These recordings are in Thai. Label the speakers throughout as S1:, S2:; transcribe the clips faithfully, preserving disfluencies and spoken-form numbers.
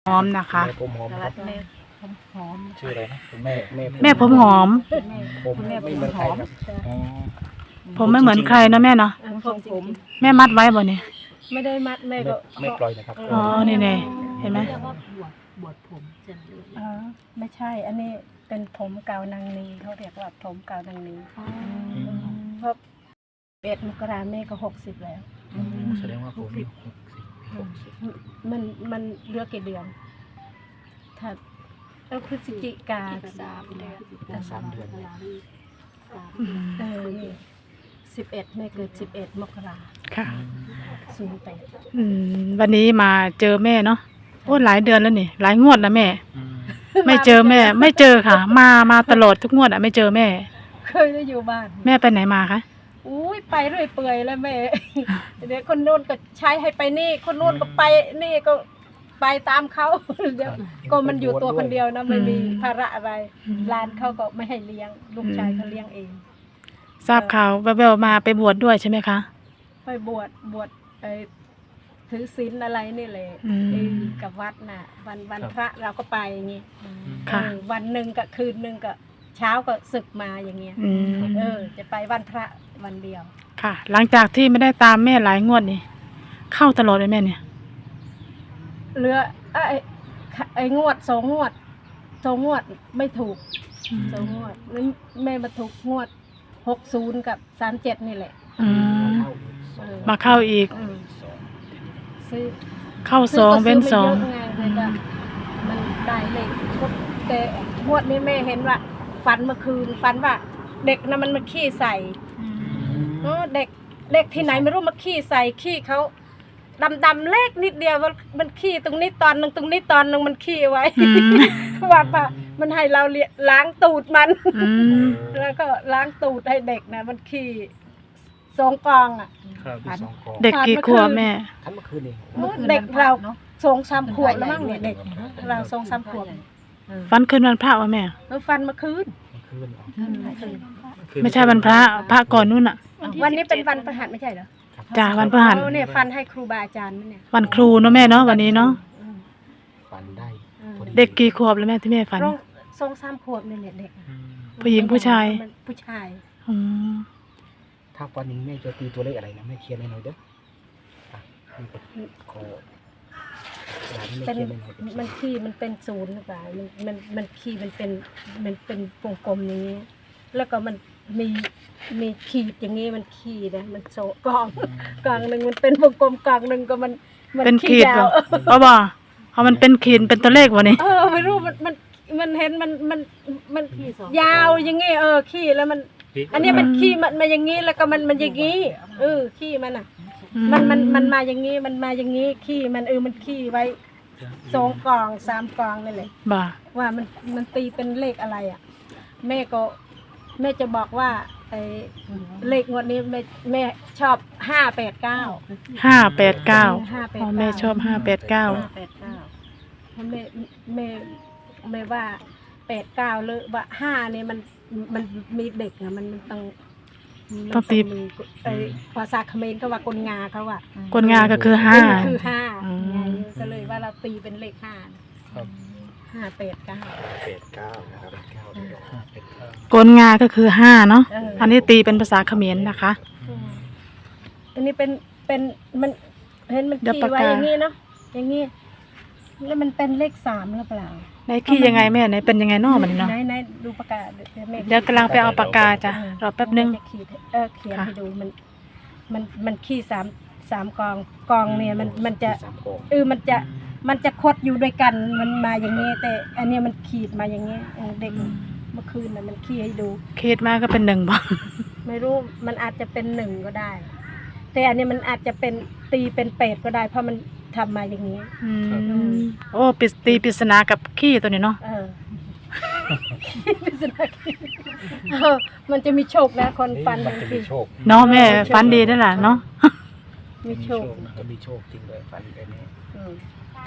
S1: หอมนะคะ
S2: แม่ผมหอมครับ
S3: แม่ผมหอม
S2: ชื่ออะไรนะคุณแม่แม่
S1: แม่ผมหอม
S2: ผมไม่เหมือนใครครับอ๋อ
S1: ผมไม่เหมือนใครนะแม่เนาะ
S3: ผมผม
S1: แม่มัดไว้บ่เนี่ย
S3: ไม่ได้มัดแม่
S2: ไม่
S3: ก็
S2: ไม่ปล่อยนะครับ
S1: อ๋อนี่ไงเห็นไหม
S4: เรียกว่าบวชบวชผมเสร็จเลย
S3: อ๋อไม่ใช่ อันนี้เป็นผมเกานางนีเขาเรียกว่าผมเกานางนีเพราะเอ็ดมกราแม่ก็หกสิบแล้ว
S2: แสดงว่าผมนี่หกสิบหกสิบ
S3: มันมันเหลือกกี่เดือน ถ้าเออพฤศจิกา
S4: สามเดือน
S2: สามเดือน
S1: อืม
S3: เออนี่สิบเอ็ดแม่เกิดสิบเอ็ดมกรา
S1: ค่ะ
S3: ศูนย์แปด
S1: อืมวันนี้มาเจอแม่เนาะโอ้หลายเดือนแล้วนี่หลายงวดนะแม่
S2: อืม
S1: ไม่เจอแม่ ไม่เจอค่ะ มามาตลอดทุกงวดอะไม่เจอแม่
S3: เคยได้อยู่บ้าน
S1: แม่ไปไหนมาคะ
S3: อุ้ยไปเรื่อยเปื่อยแล้วแม่ เดี๋ยวคนนู้นก็ใช้ให้ไปนี่ คนนู้นก็ไปนี่ก็ไปตามเขา เดี๋ยวก็มันอยู่ตัวคนเดียวนะไม่มีภาระอะไรร้านเขาก็ไม่ให้เลี้ยง ลูกชายเขาเลี้ยงเอง
S1: ทราบข่าวแววๆมาไปบวชด้วยใช่ไหมคะ
S3: ไปบวชบวชไอ้ถือศีลอะไรนี่เลย
S1: อืม
S3: ไอ้กับวัดน่ะ วันวันพระเราก็ไปอย่างงี้
S1: ค่ะ
S3: เออวันหนึ่งกับคืนหนึ่งกับเช้าก็ศึกมาอย่างเงี้ย
S1: อืม
S3: เออ จะไปวันพระวันเดียว
S1: ค่ะ หลังจากที่ไม่ได้ตามแม่หลายงวดนี่เข้าตลอดเลยแม่เนี่ย
S3: เหลือไอ้ไอ้งวดสองงวดสองงวดไม่ถูกสองงวดแล้วแม่มาถูกงวดหกศูนย์กับสามเจ็ดนี่แหละ
S1: อืม
S2: เข้า
S3: เออ
S1: มาเข้าอีก
S3: อืม
S2: สอง
S3: ซื้อ
S1: เข้าสอง
S3: ซื้
S1: เว้นสอง
S3: ไม่เยะไงเลยก็มันได้เลยแต่งวดนี้แม่เห็นว่าฝันเมื่อคืนฝันว่า เด็กนะมันมาขี้ใส่เออเด็กเด็กที่ไหนไม่รู้มาขี้ใส่ขี้เขาดำดำๆเล็กนิดเดียวมันมันขี้ตรงนี้ตอนหนึ่งตรงนี้ตอนหนึ่งมันขี้ไว้
S1: อืม
S3: ว่าป่ะมันให้เราเลี้ยล้างตูดมัน
S1: อืม
S3: แล้วก็ล้างตูดให้เด็กนะมันขี้สองกองอ่ะ
S2: ครับที่สองกอง
S1: เด็กกี่ขวบแม่
S2: ทันเมื่อคืนเอง
S3: เด็กเราสองสามขวบแล้วมั้งเนี่ยเด็กเราสองสามขวบ
S1: ฟันคืนวันพระวะแม่
S3: แล้วฟันเมื่อคืน
S2: เมื่อคืนเหรอ
S1: ไม่ใช่วันพระพระก่อนนู่นอะ
S3: วันนี้เป็นวันประหัสไม่ใช่เหรอ
S1: จ้าวันพฤหัส
S3: เอาเนี่ยฟันให้ครูบาอาจารย์มันเนี่ย
S1: วันครูเนาะแม่เนาะวันนี้เนาะ
S2: ฝันได้พอ
S1: เด็กกี่ขวบแล้วแม่ที่แม่ฝัน
S3: ร้องสองสามขวบเนี่ยเด็กอะ
S2: อืม
S1: ผู้หญิงผู้ชาย
S3: มันผู้ชาย
S1: อืม
S2: ถ้าวันนี้แม่จะตีตัวเลขอะไรนะแม่เขียนให้หน่อยเด้ออ่ะนี่ก็ขอหลานให้แม่
S3: เป็น
S2: เขียนให้หน่อย
S3: มันขี้มันเป็นศูนย์หรือเปล่ามันมันมันขี้มันเป็นมันเป็นวงกลมอย่างนี้ แล้วก็มันมีมีขีดอย่างนี้มันขีดนะมันโซกองกองหนึ่งมันเป็นวงกลมกองหนึ่งก็มันมั
S1: เป็นขีด
S3: ยา
S1: บ่
S3: ว
S1: บ่บ่เอามันเป็นขีดเป็นตัวเลขวะนี่
S3: เออไม่รู้มันมันมันเห็นมันมันมันยาวอย่างงี้เออขี้แล้วมัน อันนี้มันขี้มันมาอย่างงี้แล้วก็มันมันอย่างงี้เออขี้มันอ่ะ มันมันมันมาอย่างงี้มันมาอย่างงี้ขี้มันเออมันขี้ไว้สองกองสามกองนั่นแหละ
S1: บ่า
S3: ว่ามันมันตีเป็นเลขอะไรอ่ะ แม่ก็แม่จะบอกว่าไอ้เลขงวดนี้แม่แม่ชอบห้าแปดเก้า
S1: ห้าแปดเก้า
S3: ห้าแปด
S1: อ๋อ
S3: เก้า
S1: แม่ชอบห้าแปดเก้า
S3: ห้าแปดเก้าแม่แม่แม่ว่าแปดเก้าเลยว่าห้าเนี่ยมันมันมีเด็กอะมันมันต้องมัน
S1: ต้องตี
S3: มีไอ้ภาษาเขมรเขาว่ากลงาเขาว่าก
S1: ลงาก็คือห้า
S3: คือห้า
S1: อืม
S3: ไงก็เลยว่าเราตีเป็นเลขห้า
S2: ครับ
S3: ห้าแปดเก้า
S2: เป็ดเก้านะครับเป็ดเก้าเดี๋ยวห้าเป็ดเก้า
S1: กลงาก็คือห้าเนาะ
S3: เอออั
S1: อันนี้ตีเป็นภาษาเขมรนะคะ
S3: อันนี้เป็นเป็นมันเห็นมัน
S1: เดี๋ยว
S3: ขี
S1: ปาก
S3: ไว้
S1: กา
S3: อย่างนี้เนาะอย่างนี้แล้วมันเป็นเลขสามหรือเปล่า
S1: ในขี้ยังไงแม่ไหนเป็นยังไงเนอมันเนาะ
S3: ไหนไหนดูปากกาเดี๋ยวแม่
S1: เดี๋ยวกำลังไปเอาปากกาจ้ะรอแป๊บนึง
S3: จะขีดให้เออเขียน
S1: ค่ะ
S3: ให้ดูมันมันมันขี้สามสามกองกองเนี่ยมันมันจะ
S2: สามกอง
S3: เออมันจะมันจะคดอยู่ด้วยกันมันมาอย่างนี้ แต่อันเนี้ยมันขีดมาอย่างนี้เออเด็กเมื่อคืนน่ะมันขี้ให้ดู
S1: คิดมากก็เป็นหนึ่งบ่
S3: ไม่รู้มันอาจจะเป็นหนึ่งก็ได้ แต่อันนี้มันอาจจะเป็นตีเป็นเป็ดก็ได้ เพราะมันทำมาอย่างนี้
S1: อืมโอ้ปริศตีปริศนากับขี้ตัวนี้เนาะ
S3: เออ พิศนาเออมันจะมีโชคนะคนฟัน
S2: มันจะมีโชค
S1: เนาะแม่ฟันดีนั่นแหละเนาะ
S3: มีโชค
S2: มันมีโชคจริงเลยฝันแบบนี้
S3: อืม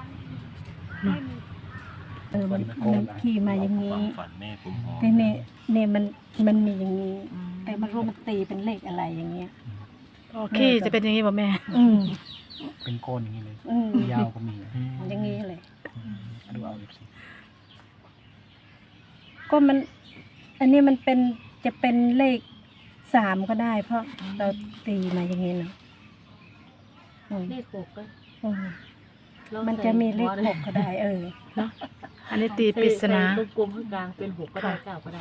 S3: เออมันมันขี่มาอย่างนี้
S2: ฝันแม่ผมหอม
S3: แต่เนี่ยเนี่ยมันมันมีอย่างนี้ แต่มันรู้มันตีเป็นเลขอะไรอย่างเงี้ย
S1: โอขี้จะเป็นอย่างนี้บ่แม่
S3: อืม
S2: เป็นก้อนอย่างนี้เลย
S3: อืม
S2: ยาวก็มี
S3: อย่างนี้เลย
S2: อืม
S3: ก็มัน อันนี้มันเป็นจะเป็นเลขสามก็ได้ เพราะเราตีมาอย่างนี้เนาะอืม
S4: เลขหกก็
S3: อืม
S4: ลอง
S3: มันจะมีเลขหกก็ได้ เออ
S1: เนาะอันนี้ตีปริศนา
S4: ใส่กลมๆข้างกลางเป็นหกก็ได้เก้าก็ได้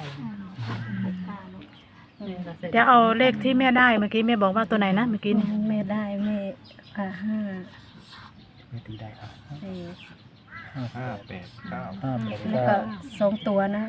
S1: เดี๋ยวเอาเลขที่แม่ได้เมื่อกี้แม่บอกว่าตัวไหนนะเมื่อกี้นี่
S3: แม่ได้แม่อ่าห้า
S2: ไม่ตีได้อ่ะ
S3: เออ
S5: ห้าแปดเก้า
S2: ห้าแปด
S3: แล้ว
S2: เก้า
S3: ก็สองตัวนะ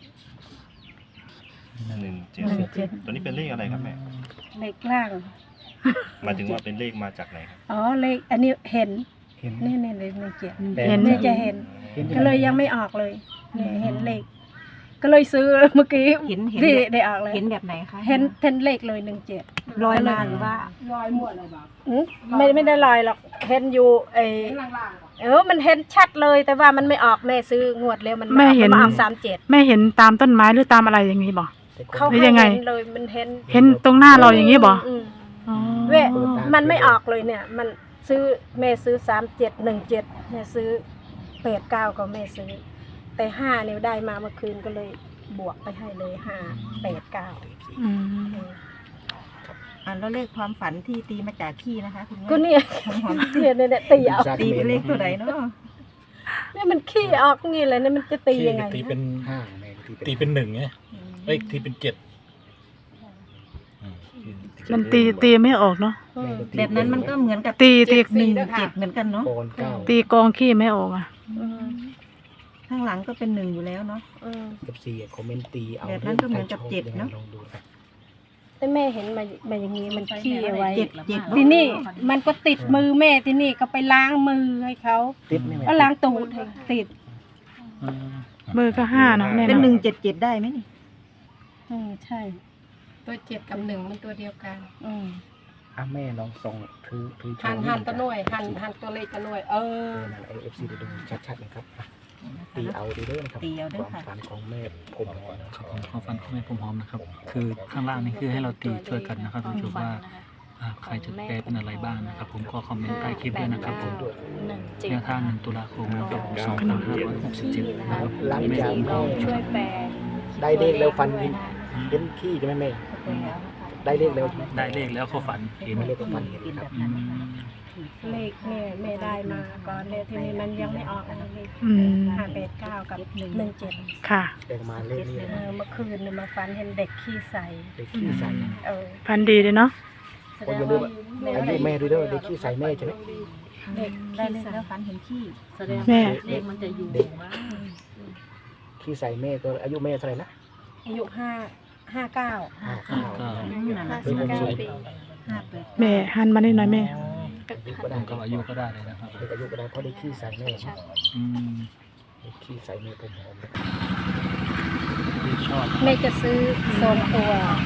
S5: หนึ่งเจ็ด
S3: หนึ่งเจ็ด
S5: ตัวนี้เป็นเลขอะไรครับแม่
S3: เลขล่าง
S5: หมายถึงว่าเป็นเลขมาจากไหนครับ
S3: อ๋อเลขอันนี้เห็น
S2: เห็น
S3: นี่นี่เลยหนึ่งเจ็ด
S1: เห็น
S3: นี่จะเห็น
S2: เห็น
S3: ก็เลยยังไม่ออกเลยเนี่ยเห็นเลข ก็เลยซื้อเมื่อกี้
S6: เห็นเห็น
S3: ที่
S6: แบบ
S3: ได้ออกเลย
S6: เห็นแบบไหนคะ
S3: เห็นเห็นเลขเลยหนึ่งเจ็ด
S6: ลอยมาหรือว่า
S3: ไม่ไม่ได้ลอยหรอกเห็นอยู่ไอเออมันเห็นชัดเลยแต่ว่ามันไม่ออกแม่ซื้องวดแล้วมัน
S1: แม่เห็น
S3: มาออกสามเจ็ด
S1: แม่เห็นตามต้นไม้หรือตามอะไรอย่างนี้บ่
S3: เขา
S1: หรือ
S3: ให้
S1: ยังไง
S3: เห็นเลยมันเห็น
S1: เห็นตรงหน้าเราอย่างนี้บ่
S3: อืม
S1: อ๋อ
S3: เว้ยมันไม่ออกเลยเนี่ย มันซื้อแม่ซื้อสามเจ็ดหนึ่งเจ็ดแม่ซื้อแปดเก้าก็แม่ซื้อ แต่ห้าเนี่ยได้มาเมื่อคืนก็เลยบวกไปให้เลยห้าแปดเก้า
S1: อืม
S6: อ่าแล้วเลขความฝันที่ตีมาจากขี้นะคะคุณแม่
S3: ก็เนี่ย
S6: หอม
S3: เนี่ยเนี่ยเนี่ยตีเอา
S6: ตีเป็นเลขตัวไหนเนาะ
S3: เนี่ยมันขี้ออกงี้เลยเนี่ยมันจะตียังไง
S7: ตีเป็น
S2: ห้าแม่ตีเป็น
S7: ตีเป็นหนึ่งไงเอ้ยตีเป็นเจ็ดอืม
S1: มันตีตีไม่ออกเนาะ
S3: อืม
S6: แบบนั้นมันก็เหมือนกับ
S1: ตีตี
S6: หนึ่งเจ็ดเหมือนกันเนาะ
S2: โกนเก้า
S1: ตีกองขี้ไม่ออกอ่ะ
S3: อืม
S6: ข้างหลังก็เป็นหนึ่งอยู่แล้วเนาะ
S3: อืม
S2: กับสี่คอมเมนต์ตีเอา
S6: แบบนั้นก็เหมือนกับเจ็ดเนอะ
S2: ลองดูครับ
S3: แต่แม่เห็นมามาอย่างนี้มันขี้เอาไว้
S6: เจ็ดเจ็ด
S3: ทีนี่มันก็ติดมือแม่ทีนี่ก็ไปล้างมือให้เขา
S2: ติดไหมแม่
S3: ก็ล้างตูดให้ติด
S1: มือก็ห้าเนาะแม่
S6: เป็น
S1: เนาะ
S6: หนึ่งเจ็ดเจ็ดได้ไหมนี่
S3: อืมใช่
S8: ตัวเจ็ดกับหนึ่งมันตัวเดียวกัน
S3: อืม
S2: อ่ะแม่ลองส่องถือถือ
S8: หันหันตัวหน่วยหันหันตัวเลขตัวหน่วย เอ
S2: เอ
S8: อ
S2: อนั่นเอฟซีดูชัดๆนะครับอ่ะตีเอาดีเด้อนะครับ
S6: ตีเอาด้วย
S2: ความ
S6: ค่ะ
S2: ฝันของแม่ผม
S7: ครับผมความฝันของแม่ผมหอมนะครับ คือข้างล่างนี่คือให้เราตีช่วยกันนะครับท่านผู้ชมว่าอ่าใครจะแปลเป็นอะไรบ้างนะครับ ผมก็คอมเมนต์ใต้คลิปด้วยนะครับผม
S4: หนึ่งเจ็ด
S7: แนวทางหนึ่งตุลาคมนะครับสองพันห้าร้อยหกสิบเจ็ดนะครับ
S2: หลังจาก
S4: ลองช่วยแปล
S2: ได้เลขแล้วฟันเห็นเห็นขี้ใช่ไหมแม่ได้เลขแล้วใช่ไหม
S7: ได้เลขแล้วเขาฝันเห็น
S2: ได้เลขก็ฟันเห็นครับ
S7: อืม
S3: เลขแม่แม่ได้มาก่อนเลยทีนี้มันยังไม่ออกอะไรเลข
S1: อืม
S3: ห้าแปดเก้ากับหนึ่งเจ็ด
S1: ค่ะ
S2: ได้มาเลขนี้
S3: เออเมื่อคืนเนี่ยมาฝันเห็นเด็กขี้ใส
S2: เลขขี้ใส่
S3: เออ
S1: พันดีเลยเนาะ
S3: แส
S2: โอ้
S3: ด
S2: ย
S3: ง
S2: อย่าลืม
S3: ว่า
S2: ว่าอายุแม่ด้วยเด้อเลขขี้ใส่แม่ใช่ไหม
S3: เด็ก
S6: ได้
S3: ขี้
S6: เลข
S3: ใส
S6: แล้วฝันเห็นขี้
S4: แสดง
S1: แม่
S4: ว่าเลขมันจะอยู่ว่า
S2: ขี้ใส่แม่ก็อายุแม่เท่าไหร่นะ
S3: อายุห้าห้าเก้า
S2: ห้าเก้า
S7: ก็
S3: ห้าสิบเก้าปี
S6: ห้าแปด
S1: แม่หันมานิดหน่อยแม่
S2: อายุก็ได้
S7: ก็อายุก็ได้เลยนะครับ
S2: เลขอายุก็ได้เพราะได้ขี้ใส่แม่
S7: อืม
S2: เลขขี้ใส่แม่ผมหอมนะ
S7: ที่ชอบ
S3: แม่จะซื้อสองตัว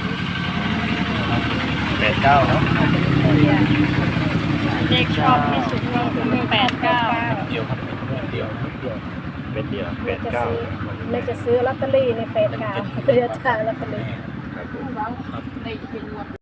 S5: แปดเก้าเนาะ
S4: เลขชอบที่สุดก็คือแปดเก้า
S5: เดียวครับเดียว
S2: เดียว
S5: เป็นเดียวแป
S3: แม่
S5: ด
S3: จะ
S5: เก้า
S3: ซื้อแม่จะซื้อลอตเตอรี่ในแปดเก้าเดือนจ่ายลอตเตอรี่
S5: ครับผม